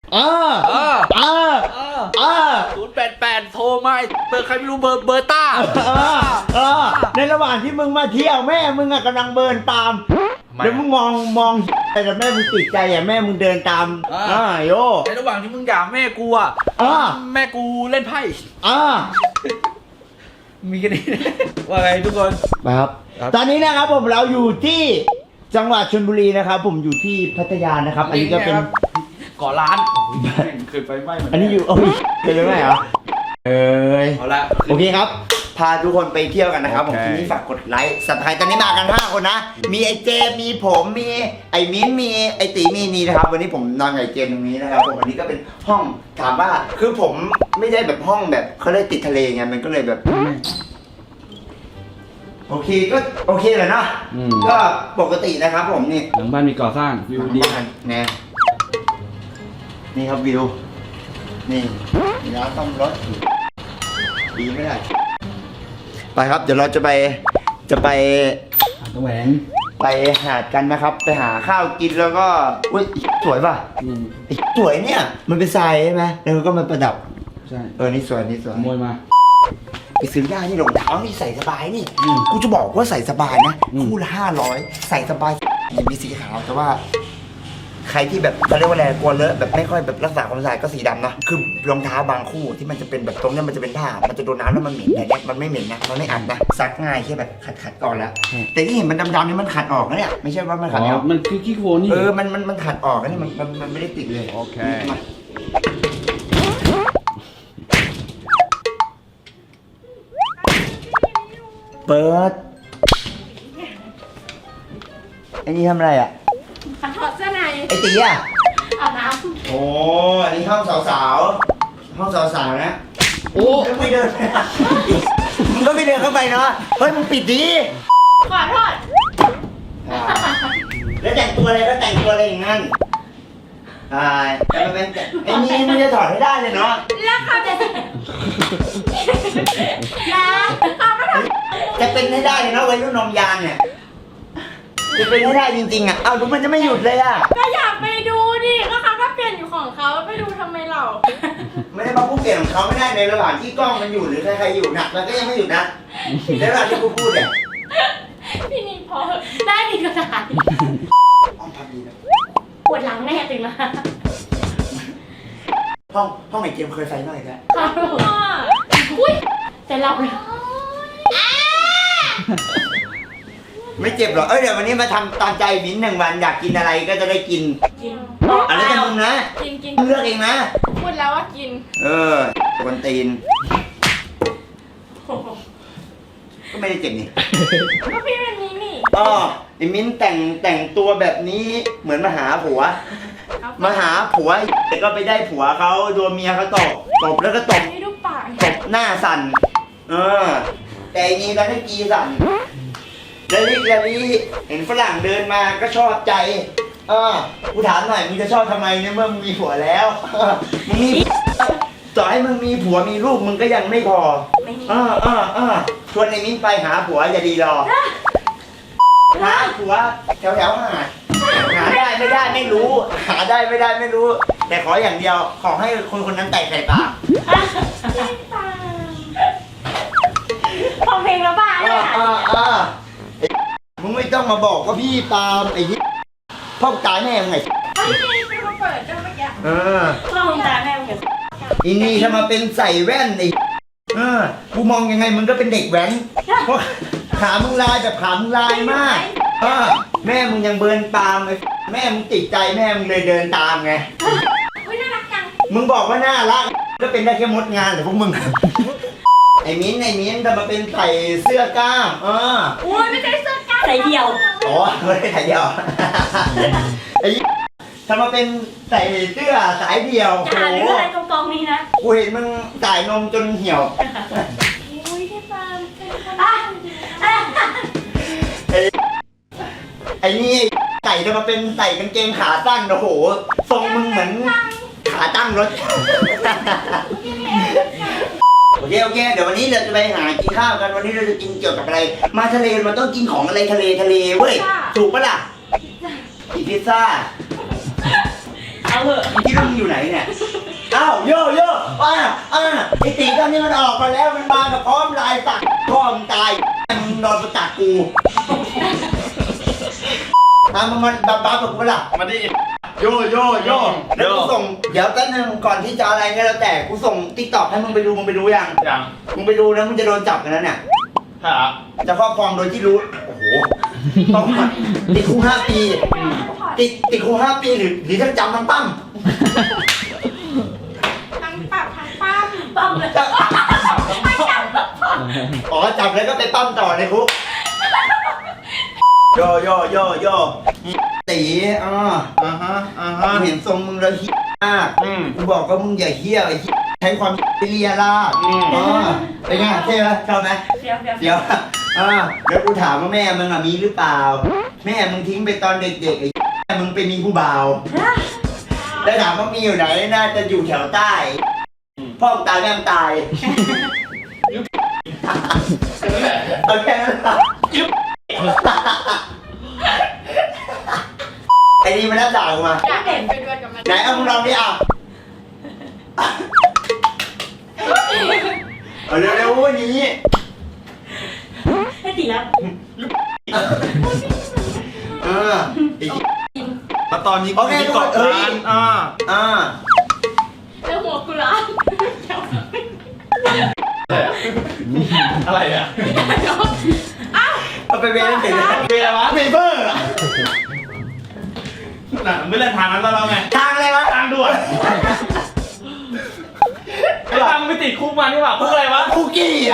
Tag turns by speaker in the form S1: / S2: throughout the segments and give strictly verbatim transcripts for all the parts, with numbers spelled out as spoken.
S1: อ่าอ่าอ่าอ่า
S2: ศูนย์แปดแปดโทรมาเบอร์ใครไม่รู้เบอร์เบอร์ต้า
S1: อ่าในระหว่างที่มึงมาเที่ยวแม่มึงอะกำลังเบิร์นตามแล้วมึงมองมองแต่แม่มึงติดใจอะแม่มึงเดินตามอ่าโย
S2: ในระหว่างที่มึงด่าแม่กูอ่ะแม่กูเล่นไพ่
S1: อ่า
S2: มีกันนี่ว่าไงทุกคน
S1: ครับตอนนี้นะครับผมเราอยู่ที่จังหวัดชลบุรีนะครับผมอยู่ที่พัทยานะครับอันนี้ก็เป็น
S2: ก่อร้านเคยไปไหม
S1: อันนี้อยู่โอ้ยเคยไปไหมเหรอเอ้ย
S2: เอาละ
S1: โอเคครับพาทุกคนไปเที่ยวกันนะครับผมทีนี้ฝากกดไลค์สับสไครต์ตอนนี้มากันห้าคนนะมีไอเจมีผมมีไอมิ้นมีไอตีมีนี่นะครับวันนี้ผมนอนกับไอเจตรงนี้นะครับผมวันนี้ก็เป็นห้องถามว่าคือผมไม่ได้แบบห้องแบบเขาเลยติดทะเลไงมันก็เลยแบบโอเคก็โอเคเลยนะก็ปกตินะครับผมนี่
S2: หลังบ้านมีก่อสร้างวิวดี
S1: แน่นี่ครับวิวนี่ร้านซ่อมรถดีไม่ได้ไปครับเดี๋ยวเราจะไปจะไป
S2: หาดตะแหวง
S1: ไปหาดกันนะครับไปหาข้าวกินแล้วก็อุ้ยสวยป่ะสวยเนี่ยมันเป็นทรายใช่ไหมแล้วก็มันประดับ
S2: ใช่
S1: เออนี่สวยนี่สวย
S2: ขโมยมา
S1: ไปซื้อได้นี่รองเท้านี่ใส่สบายนี่กูจะบอกว่าใส่สบายนะคู่ละห้าร้อยใส่สบายมีสีขาวแต่ว่าใครที่แบบเขาเรียกว่าอะไรกลัวเลอะแบบไม่ค่อยแบบรักษาความสะอาดก็สีดำเนาะคือรองเท้าบางคู่ที่มันจะเป็นแบบตรงนี้มันจะเป็นผ้ามันจะโดนน้ำแล้วมันเหม็นแต่เนี้ยมันไม่เหม็นนะมันไม่อัดนะซักง่ายแค่แบบขัดขัดก่อนแล้วแต่ที่เห็นมันดำๆนี่มันขัดออกนะเนี่ยไม่ใช่ว่ามันขัดออก
S2: มันคือขี้โคลนนี่
S1: เออมันมันมันขัดออกนะนี่มันมันไม่ได้ติดเลย
S2: โอเค
S1: เปิดไอ้นี่ทำอะไรอ่ะ
S3: ถอดเสื้อใน
S1: ไอ้ตีอ่ะ
S3: อาบน้ำ
S1: โอ้อันนี้ห้องสาวๆห้องสาวๆนะโอ้ก็ไม่เดินมึงก็ไม่เดินเข้าไปเนาะเฮ้ยมึงปิดดี
S3: ขอโทษ
S1: แล้วแต่งตัวอะไรก็แต่งตัวอะไรอย่างนั้นอ่าแต่มันเป็นไอ้นี่มึงจะถอดให้ได้เลยเนาะ
S3: แล้วเขาจะนะเขาไม่ท
S1: ำจะเป็นให้ได้เลยเนาะวัยรุ่นนมยานเนี่ยจะเป็นให้ได้จริงๆอ่ะเอ้าดูมันจะไม่หยุดเลยอ่ะ
S3: ก็อยากไปดูดิก็เขาก็เปลี่ยนอยู่ของเขาไปดูทำไมเรา
S1: ไม่ได้มาพูดเปลี่ยนของเขาไม่ได้ในระหว่างที่กล้องมันอยู่หรือใครๆอยู่นะมันก็ยังไม่หยุดนะในระหว่างที่กูพูดเนี่ย
S3: พี่นี่พอได้ดีก็ได้
S1: ห้องพักดีนะ
S3: ปวดหลังแน่ตื่นมา
S1: ห้องห้องไหนเกมเคยไฟหน่อยแค่
S3: ค่ะอุ้ยแต่เราเลย
S1: ไม่เจ็บหรอเอ้ยเดี๋ยววันนี้มาทำตามใจมิ้นหนึ่งวันอยากกินอะไรก็จะได้กิน
S3: กิน
S1: อะไรกันมึงนะ
S3: กินกิน
S1: เลือกเองนะ
S3: พูดแล้วว่ากิน
S1: เออคนตีนก็ไม่ได้เจ็บนี่
S3: ก็พี่เป็นนี้นี่
S1: อ๋อไอ้มิ้นแต่งแต่งตัวแบบนี้เหมือนมาหาผัวมาหาผัวแต่ก็ไปได้ผัวเขาโดนเมียเขาตบตบแล้วก็ตบตบหน้าสั่นเออแต่อันนี้แล้วให้กีสั่นแล้วนี่แล้วนี่เห็นฝรั่งเดินมาก็ชอบใจเออกูถามหน่อยมึงจะชอบทำไมเนี่ยเมื่อมึงมีผัวแล้วมึงมีต่อให้มึงมีผัวมีลูกมึงก็ยังไม่พอเออเออเออชวนไอ้มิ้นไปหาผัวอย่าดีรอหาผัวแถวแถวหาหาได้ไม่ได้ไม่รู้หาได้ไม่ได้ไม่รู้แต่ขออย่างเดียวขอให้คนคนนั้นแตกใส่ปาก
S3: พอเพลงแล้วบ้าเลย
S1: อ่ะมึงไม่ต้องมาบอกว่าพี่ตามไอ้ยี่พ่อตายแม่ยังไง
S3: พี่นี่เป็นคนเปิดก็เมื่อกี้
S1: เออ
S3: พ่อตายแม่ยังไง
S1: อีนี่ถ้ามาเป็นใส่แว่นไอ้เออกูมองยังไงมึงก็เป็นเด็กแว้นเพราะขามึงลายแบบขามึงลายมากเออแม่มึงยังเบิร์นตามเลยแม่มึงติดใจแม่มึงเลยเดินตามไง
S3: อุ้ยน่ารักจัง
S1: มึงบอกว่าน่ารักก็เป็นได้แค่มดงานแต่พวกมึงไอ้มิ้นไอ้มิ้นจะมาเป็นใส่เสื้อกล้ามเออ
S3: อุ้ยไม่ใช่เสื้อกล้ามใส่เดี่ยว
S1: อ๋อไม่ได้ใส่เดี่ยวไอ้ทำมาเป็นใส่เสื้อสายเดี่ยว
S3: จะหาเรื่องอะไรกองกองนี้นะ
S1: กูเห็นมึงจ่ายนมจนเหี่ยว
S3: อุ้ยที่ฟาร์มเป็นคน
S1: ไอ้ไอ้นี่ใส่จะมาเป็นใส่กางเกงขาสั้นโอ้โหทรงมึงเหมือนขาตั้งรถโอเคโอเคเดี๋ยววันนี้เราจะไปหากินข้าวกันวันนี้เราจะกินเกี่ยวกับอะไรมาทะเลมันต้องกินของอะไรทะเลทะเลเว้ยถูกปะล่ะกินพิซซ่า
S3: เอาเอาเหอะ
S1: ที่มึงอยู่ไหนเนี่ยอ้าวโยโย่อ่าอ่าไอตีตอนนี้มันออกมาแล้วมันมากับพร้อมลายตักพ่อมึงตายมึงนอนประจักกูอ่ะมันมันบ้าบ้ากับกูล่ะ
S2: มาดิ
S1: โยโยโยแล้วกูส่งเดี๋ยวแป๊บนึงก่อนที่จะอะไรก็แล้วแต่กูส่งติ๊กต็อกให้มึงไปดูมึงไปดูยัง
S2: ยัง
S1: มึงไปดูนะมึงจะโดนจับกันแล้วเนี่ย
S2: ถ้า
S1: จะครอบครองโดยที่รู้โอ้โหต้องติดคุกห้าปีติดติดคุกห้าปีหรือหรือทั้งจำทั้งปั้ม
S3: ทั้งปรับทั้งปั้มปั้มเลย
S1: อ๋อจับแล้วก็ไปปั้มต่อในคุกโยโยโยโยตีอ่า
S2: อ่าฮะอ่า
S1: กู
S2: ฮะ
S1: เห็นทรงมึงแล้วเฮี้ยมาก
S2: อืม
S1: กูบอกว่ามึงอย่าเฮี้ยไอ้เหี้ยใช้ความเลียล่า
S2: อืม
S1: อ่าเป็นไงเท่ไหมชอบไหม
S3: เดี๋ยวเดี๋ยว
S1: เดี๋ยวอ่าแล้วกูถามว่าแม่มึงอะมีหรือเปล่า แม่มึงทิ้งไปตอนเด็กๆไอ้แม่มึงไปมีผู้บ่าวแล้วถามว่ามีอยู่ไหนน่าจะอยู่แถวใต้พ่อมึงตายแม่มึงตายโอเคไอ้นี่มันน่าด่ากูมา
S3: อยากเห็นไปด้วยกับมัน
S1: ไหนเอามึงลองดิอ่ะเอาเร็วๆวันนี้
S3: ให้ตีแล้ว
S1: เออไอ้
S2: แล้วตอนนี้
S1: โอเค
S2: มี
S1: ทุกค
S2: เกาะ
S1: นเอ้ย
S2: ร้านอ่า
S1: อ่า
S3: แล้วหัวกูร้าน
S2: อะไรอ่ะ
S1: เอาไปเวรเสร็จแล้ว
S2: เป็นอะไรวะ
S1: เวเบอร์อะ
S2: น่ะไม่เล่นทางนั้นแล้วเราไง
S1: ทางอะไรวะ
S2: ทางด่วนไอ้ทางมันไปติดคุกมานี่หว่าคุกอะไรวะ
S1: คุกกี้อ่ะ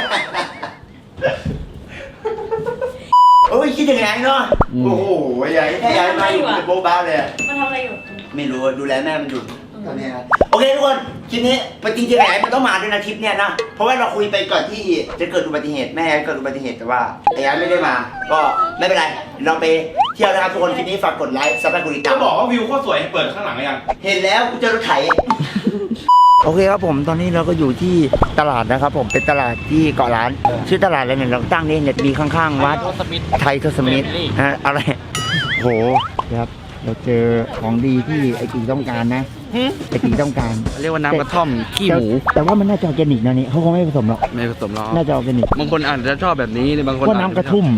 S1: โอ้ยคิดยังไงเนาะโอ้โหใหญ่แค่ย้ายมาอยู่เป็นโบ๊ะบ้าเลย
S3: มันทำอะไรอยู่
S1: ไม่รู้ดูแลแม่มันอยู่ตอนนี้นะโอเคทุกคนคลิปนี้ปจริงๆไอ้มันต้องมาด้วยนะทริปเนี่ยนะเพราะว่าเราคุยไปก่อนที่จะเกิดอุบัติเหตุแม่เกิดอุบัติเหตุแต่ว่าไอ้ยันไม่ได้มา ก็ไม่เป็นไรเราไปเที่ยวนะครับทุกคนคลิปนี้ฝากกดไลค์ซับสไครต์กดติดตาม
S2: จะบอกว่าวิวโคตรสวยเปิดข้างหลังหรือยัง
S1: เห็นแล้วกูเจอรถไถ โอเคครับผมตอนนี้เราก็อยู่ที่ตลาดนะครับผมเป็นตลาดที่เกาะล้านชื่อตลาดอะไรเนี่ยเราตั้งนี่เนี่ยมีข้างๆวัดไทยทศมิตรฮะอะไรโหครับเราเจอของดีที่ไอ้กีต้องการนะไอ้กีต้องการ
S4: เรียกว่าน้ำกระท่อมขี้หมู
S1: แต่แต่ว่ามันน่าจะออร์แกนิกนะนี่เขาคงไม่ผสมหรอก
S4: ไม่ผสมหรอก
S1: น่าจะออร์แกนิก
S4: บางคนอาจจะชอบแบบนี้บางคน
S1: เพราะน้ำกระทุ่ม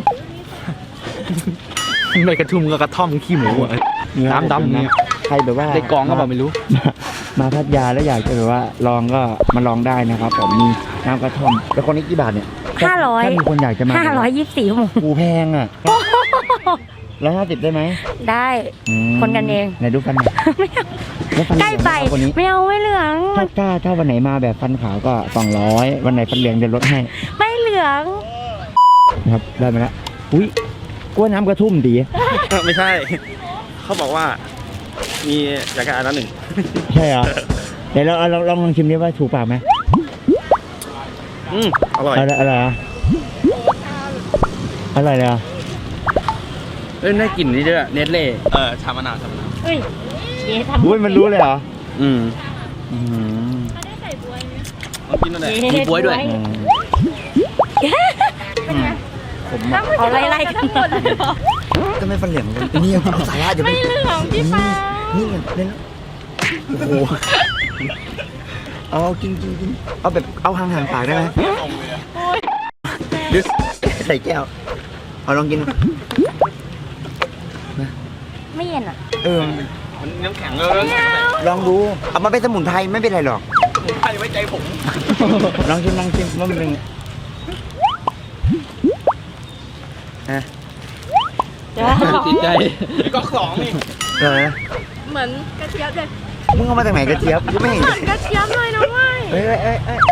S4: ไม่กระทุ่มก็กระท่อมขี้หมูอะ น้ำดำเนี่ย
S1: ใครแบบว่า
S4: ได้กองก็บอกไม่รู้
S1: มาพัทยาแล้วอยากจะแบบว่าลองก็มาลองได้นะครับผมมีน้ำกระท่อมแล้วคนนี้กี่บาทเนี่ย
S5: ห้าร้อย
S1: ถ้ามีคนอยากจะมา
S5: ห้าร้อยยี่สิบสี่ชั่วโมง
S1: กูแพงอ่ะร้อยห้าสิบได้ไหม
S5: ได้
S1: อืม
S5: คนกันเอง
S1: ไหนดูฟันหน่อย
S5: ไม่เอา
S1: แล้วฟันเห
S5: ใก
S1: ลื
S5: ล้
S1: อง
S5: ไป
S1: นะครับวันนี้
S5: ไม่เอาไม่เหลือง
S1: ถ้าถ้าถ้าวันไหนมาแบบฟันขาวก็สองร้อยวันไหนฟันเหลืองจะลดให้
S5: ไม่เหลือง
S1: นะครับได้มาแล้วอุ้ยกล้วยน้ำกระทุ่มดี
S4: ไม่ใช่ เขาบอกว่า มีอยากจะอ่านแล้วหนึ่ง
S1: ใช่เหรอเดี๋ยวเราเราลองลองชิมดิว่าถูกปากไหม
S4: อืมอร่อย
S1: อะไรอะไรอะอะไรเลยอ่ะ
S4: เอ้ยได้กลิ่นนี่ด้วยเนสเล่เออชามะนาวชามะนาว
S5: เฮ้ยเย้ทำ
S1: อุ้ยมันรู้เลยเหรอ
S4: อืม
S1: อืม
S4: ลองกินด้วยมีบ๊วยด้วย
S1: อืมผมอะ
S5: เอาไล่ๆกันหมด
S1: ก็ไม่ฟันเหลืองเลยนี่ยังเอาสาระเดี๋ยว
S3: ไม่เหลืองพี่ฟ้า
S1: นี่ไงเล่นโอ้โหเอากินกินกินเอาแบบเอาห่างห่างๆปากได้ไหมดึใส่แก้วเอาลองกิน
S5: ไม่เย็นอ่ะ
S1: เออ
S4: มันน้ำแข็งเลยน้ำแข็ง
S1: ลองดูเอามาเป็นสมุนไพรไม่เป็นไรหรอก
S4: ผมใครไว้ใจผม
S1: ลองชิมลองชิมว่ามันเป็นไงฮะ
S4: ติดใจก็สองนี่
S1: เออ
S3: เหมือนกระเทียมเลย
S1: มึงเอามาจากไหนกระเจี๊ยบกูไม่เห็น
S3: เหมือนกระเทียมเลยนะเว้ย
S1: เอ้ยเอ้ยเอ้ยเอ้ย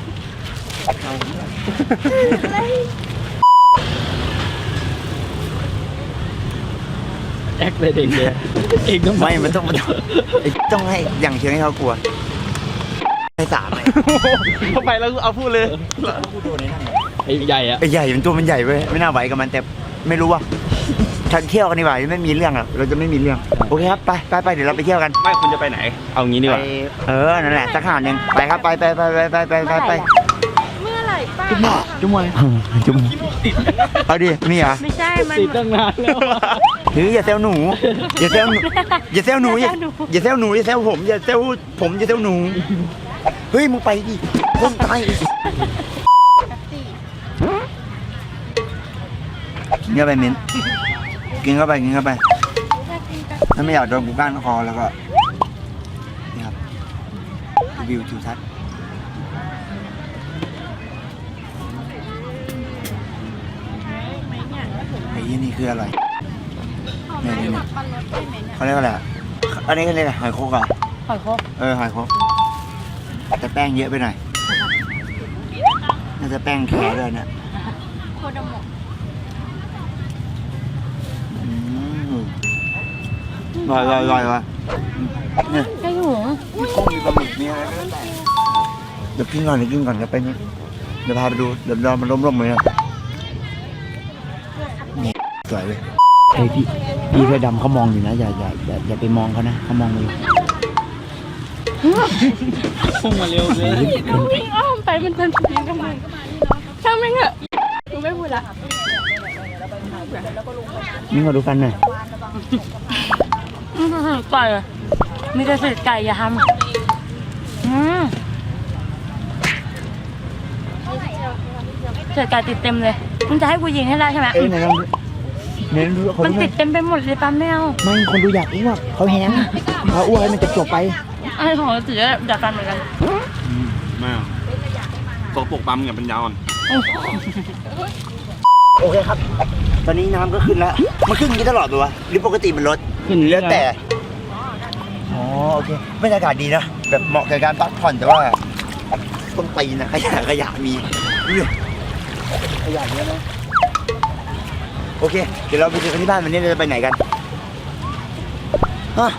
S4: แอคเลยเด็กเลยเอกต้อง
S1: ไม่มันต้องมันต้องไอ้ต้องให้อย่างเชิงให้เขากลัวให้สามเลย
S4: เข้าไปแล้วเอาพูดเลย
S1: กูโดนไอ้นั่น
S4: ไอ้ใหญ่อะ
S1: ไอ้ใหญ่มันตัวมันใหญ่เว้ยไม่น่าไหวกับมันแต่ไม่รู้ว่าฉันเที่ยวกันดีกว่าไม่มีเรื่องหรอกเราจะไม่มีเรื่องโอเคครับไปไปไปเดี๋ยวเราไปเที่ยวกัน
S4: ไม่คุณจะไปไหน เอางี้ดีกว่า
S1: ไปเออนั่นแหละสักหาหนึ่งไปครับไปไปไปไปไปไปไปไป
S3: เมื่อไหร่ป้า
S1: จุ๊บมวยจุ๊บเอาดินี่เหรอ
S5: ไม่ใช่มัน
S4: ติดตั้งนานแล้ว
S1: ถืออย่าเซลหนูอย่าเซลหนูอย่าเซลหนูอย่าอย่าเซลหนูอย่าเซลผมอย่าเซลผมอย่าเซลหนูเฮ้ยมึงไปดิคนตายกินเข้าไปมิ้นกินเข้าไปกินเข้าไปถ้าไม่อยากโดนกูก้านคอแล้วก็นี่ครับวิวทิวทัศน์ไอ้ยี่นี่คืออะไรเนี่ยเนี่ยเนี่ยเขาเรียกว่าอะไรอ่ะอันนี้เขาเรียกอะไรหอยโคกอ่ะ
S5: หอยโคก
S1: เออหอยโคกแต่แป้งเยอะไปหน่อยน่าจะแป้งแค่ด้วยเนี่ย
S5: โคดโมะ
S1: อืมลอยลอยลอยลอยเนี่ย
S5: ไก่หู
S1: มีกุ้งมีปลาหมึกมีอะไรก็แล้วแต่เดี๋ยวกินก่อนเดี๋ยวกินก่อนเดี๋ยวไปนี่เดี๋ยวพาไปดูเดี๋ยวเรามันร่มๆเลยนะนี่สวยเลยเฮ้ยพี่พี่เสื้อดำเขามองอยู่นะอย่าอย่าอย่าอย่าไปมองเขานะเขามองอยู่
S2: พุ่งมาเร็วเลย
S3: วิ่งอ้อมไปมันทันทีทำไมช่างแม่งเหอะกูไม่พูดละ
S1: นี่มาดูกันหน่อย
S5: อืมไก่อะมีแต่เศษไก่อย่าทำอืมเศษไก่ติดเต็มเลยมึงจะให้กูยิงให้ได้ใช่ไหม
S1: เอ้ยไหนลองดูไหนลองดูเขา
S5: มัน
S1: ดูหน่
S5: ติ
S1: อ
S5: ด
S1: ย
S5: เต็มไปหมดเลยปั๊มไม่เอา
S1: ไม่คนดูอยากอ้วกเขาแห้งเขาอ้วกให้มันจบๆไป
S5: ไอ้ของเราถือจากกันเหมือนกัน
S4: ไม่เอาตัวปกปั๊มอย่าเป็นยาวอ่อน
S1: โอเคครับ ตอนนี้น้ำก็ขึ้นแล้ว มันขึ้นอย่างนี้ตลอดเลยวะหรือปกติมันลด
S2: ขึ้นเรื่
S1: แล้
S2: อ
S1: วย แต่ อ๋อโอเคบรรยากาศดีนะ แบบเหมาะกับการพักผ่อนแต่ว่าต้นตีนนะขยะขยะมีดูดิขยะเยอะนะโอเค เดี๋ยวเราไปเจอกันที่บ้านวันนี้เราจะไปไหนกันฮะ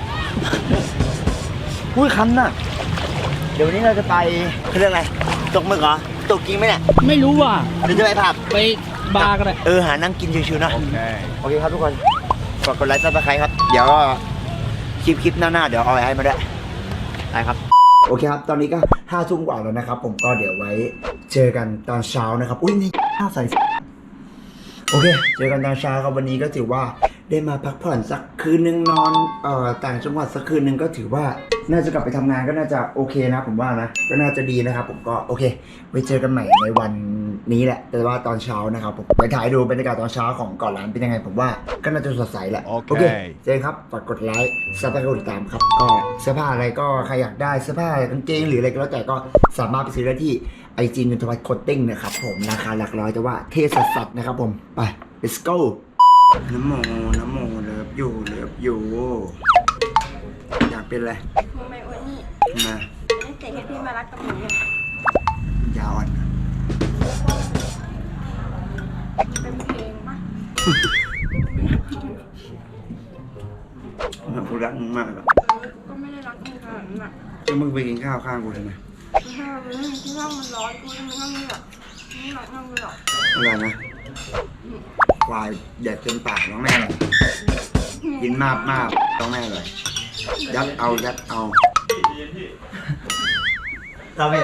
S1: อุ้ยคันน่ะ เดี๋ยววันนี้เราจะไปเขาเรียกอะไรตกหมึกเหรอตกจริงไหมเนี่ย
S2: ไม่รู้ว่ะ
S1: หรือจะไปผับ
S2: ไปบาร์ก็ได้
S1: เออหานั่งกินชิวๆนะ
S4: โอเค
S1: โอเคครับทุกคนฝากกดไลค์ซับสไครต์ครับ เดี๋ยวก็คลิปคลิปหน้าๆเดี๋ยวเอาไว้ให้มาด้วยได้ครับ โอเคครับ ตอนนี้ก็ห้าทุ่มกว่าแล้วนะครับ ผมก็เดี๋ยวไว้เจอกันตอนเช้านะครับ อุ้ยนี่ข้าวใส่โอเค เจอกันตอนเช้าครับวันนี้ก็ถือว่าได้มาพักผ่อนสักคืนนึงนอนเอ่อต่างจังหวัดสักคืนนึงก็ถือว่าน่าจะกลับไปทำงานก็น่าจะโอเคนะผมว่านะก็น่าจะดีนะครับ ผมก็โอเคไว้เจอกันใหม่ในวันนี้แหละ แต่ว่าตอนเช้านะครับผมไปถ่ายดูบรรยากาศตอนเช้าของก่อนร้านเป็นยังไงผมว่าก็น่าจะสดใสแหละ
S4: โอเค
S1: เจอกันครับฝากกดไลค์ซับสไครต์กดติดตามครับก็เสื้อผ้าอะไรก็ใครอยากได้เสื้อผ้ากางเกงหรืออะไรก็แล้วแต่ก็สามารถไปซื้อได้ที่ไอจีนนทวัฒน์โคตติ้งนะครับผมราคาหลักร้อยแต่ว่าเท่สัสๆนะครับผมไป let's go น้ำโมน้ำโมเลิฟอยู่เลิฟอยู่อยากเป็นอะไร
S3: มึงไม่อ้วนนี่
S1: มา
S3: นี่เตะให้พี่มารักกับหนูเนี่ย
S1: ยาวอ่อน
S3: เป็นเพลงปะ
S1: กูรักมึงมากอะ
S3: ก็ไม่ได้รักมึงขนาดนั้นอ่ะ
S1: แล้วมึงไปกินข้าวข้างกูทำไม
S3: ถ้ามันไม่ที่ห้องมันร้อนกูจะไม่ห้องนี้หรอกไม่รักห้องนี้หรอก
S1: อะไรนะควายแดดเต็มปากน้องแม่เลยกินมากมากน้องแม่เลยยัดเอายัดเอาเราเผ็ด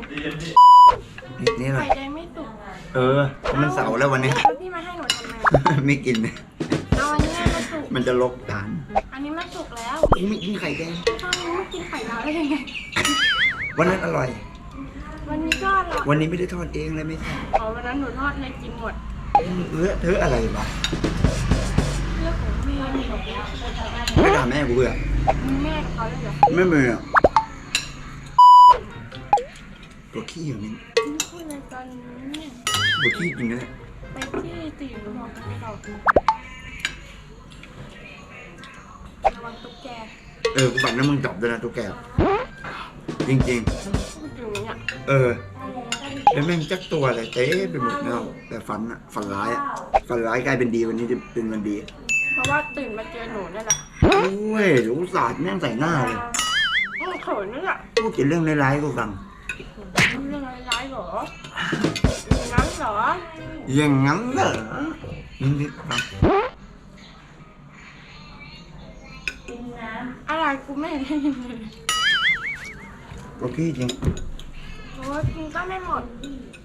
S1: นี่เล
S3: ไข่
S1: ย
S3: แดงไม่สุก
S1: เออ มันเสาร์แล้ววันนี้
S3: แล้วพี่มาให้หนูทำไม
S1: ไม่กิน
S3: เอาอันนี้มาสุก
S1: มันจะลกฐาน
S3: อันนี้มาสุกแล้ว
S1: กูไม่กินไข่แดง
S3: ข้าวนี้ไม่กินไข่ดาวได้ยังไง
S1: วันนั้นอร่อย
S3: วันนี้ก็อร่อย
S1: วันนี้ไม่ได้ทอดเองเลยไม่ใช่
S3: อ๋อวันนั้นหนูทอดเลยกินหมด
S1: เลอะเทอะอะไรวะ
S3: เรื่องของแม่นี่หนู
S1: ไม่ด่าแม่กูเบื่อ
S3: มีแม่กับเขาเลยเหรอ
S1: ไม่เบื่อตัวขี้อย่างนี้
S3: ไม่พูดเลยตอนนี้
S1: ตัวขี้จริงนะ
S3: ไปที่ตีหนูบอกกันต่อระวังตุ๊กแก
S1: เออกูฝันว่ามึงจับด้วยนะตัวแกจริง
S3: พูดอยู่เนี่ย
S1: ๆ เออ แล้วแม่งจักตัวอะไรเต้ไปหมดแล้วแต่ฝันอะฝันร้ายอะฝันร้ายกลายเป็นดีวันนี้จะเป็นวันดี
S3: เพราะว่าตื่นมาเจอหนูนี่แหละ
S1: โอ้ยรู้ศาสตร์แม่งใส่หน้าเลย
S3: อือเขินนี่แหละ
S1: พูดแต่เรื่องร้ายๆกูฟัง
S3: เรื่องร้ายๆเหรออย่างนั้นเหรอ
S1: อย่างงั้นเหรอนิดๆฟัง
S3: อะไรกูไม่ได้ยินเลย
S1: ตัวขี้จริง
S3: โอ้ยกินก็ไม่หมด